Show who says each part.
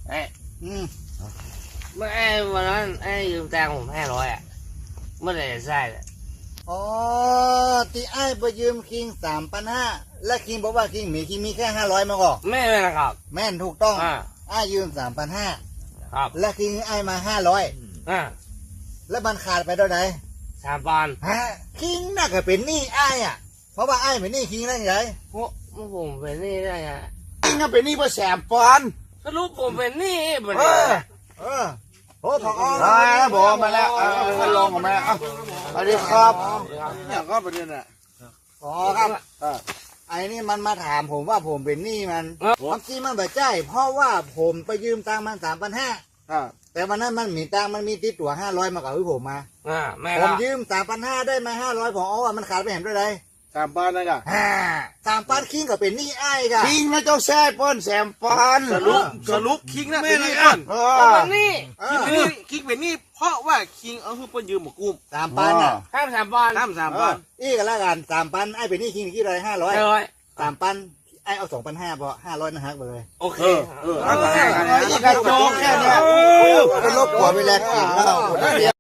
Speaker 1: ไอ้
Speaker 2: เมื่อไอ้วันนั้นไอ้ยืมตังค์ผม500อ่ะเมื่อไหร่จะใช่เลย
Speaker 3: อ๋อที่ไอ้ไปยืมคิง3,500และคิงบอกว่าคิงมีแค่500มาก่อน
Speaker 2: ไม่เป็นนะครับ
Speaker 3: แม่นถูกต้อง
Speaker 2: อ่า
Speaker 3: ไอ้ยืม3,500
Speaker 2: ครับ
Speaker 3: และคิงไอ้มา500แล้วมันขาดไปเท่าไหร่
Speaker 2: 3 ปอนด์
Speaker 3: ฮะคิงน่าจะเป็นหนี้ไอ้อะเพราะว่าไอ้เป็นหนี้คิงได้ไง
Speaker 2: พวกผมเป็นหนี้ได้ไง
Speaker 1: คิงก็เป็นหนี้เพื่อแสมปอนด์
Speaker 2: สรุปผมเป็นหนี้บัด
Speaker 1: เอ
Speaker 2: นี้
Speaker 1: อ
Speaker 3: เออโอ้พอ
Speaker 1: บอกมาแล้วเอาลงออกมาสวัสดีครับเนี่ยก็ประเด็นอ่ะ
Speaker 3: พอครับไอ้นี่มันมาถามผมว่าผมเป็นหนี้มันความจริงมันแบบใจเพราะว่าผมไปยืมตังค์มัน3,500แต่วันนั้นมันมีตังค์มันมีติดตัว500มากับผมมา
Speaker 2: แม่
Speaker 3: ผ
Speaker 2: ก็
Speaker 3: มยืม3,500ได้มา500ผมว่ามันขาดไปเห็นด้วยไร
Speaker 1: 3 ปอนด์นะจ๊ะ
Speaker 3: 3,000คิงก็เป็นหนี้ไอ้กะ
Speaker 1: คิงนะเจ้าแซ่ป้อนแสมปอนด์
Speaker 4: สรุปคิงนะเป็นหนี้ก่อน
Speaker 2: เป็นหนี้
Speaker 4: คิงเป็นหนี้เพราะว่าคิงเอาให้เปิ้นยืมหมกุ้ม
Speaker 3: 3,000อ่ะ
Speaker 2: ข้าม3 ปอนด์
Speaker 4: น้ำ3 บาท
Speaker 3: อีกแล้วกัน3,000ไอ้เป็นหนี้คิงกี่ไร500 3,000ไอ้เอา2,500พอ500นะฮักไปเลย
Speaker 2: โอเค
Speaker 1: อีกกระโจกแค่เนี้ย
Speaker 3: ก็ลบกว่าไปแล้วกินแล้ว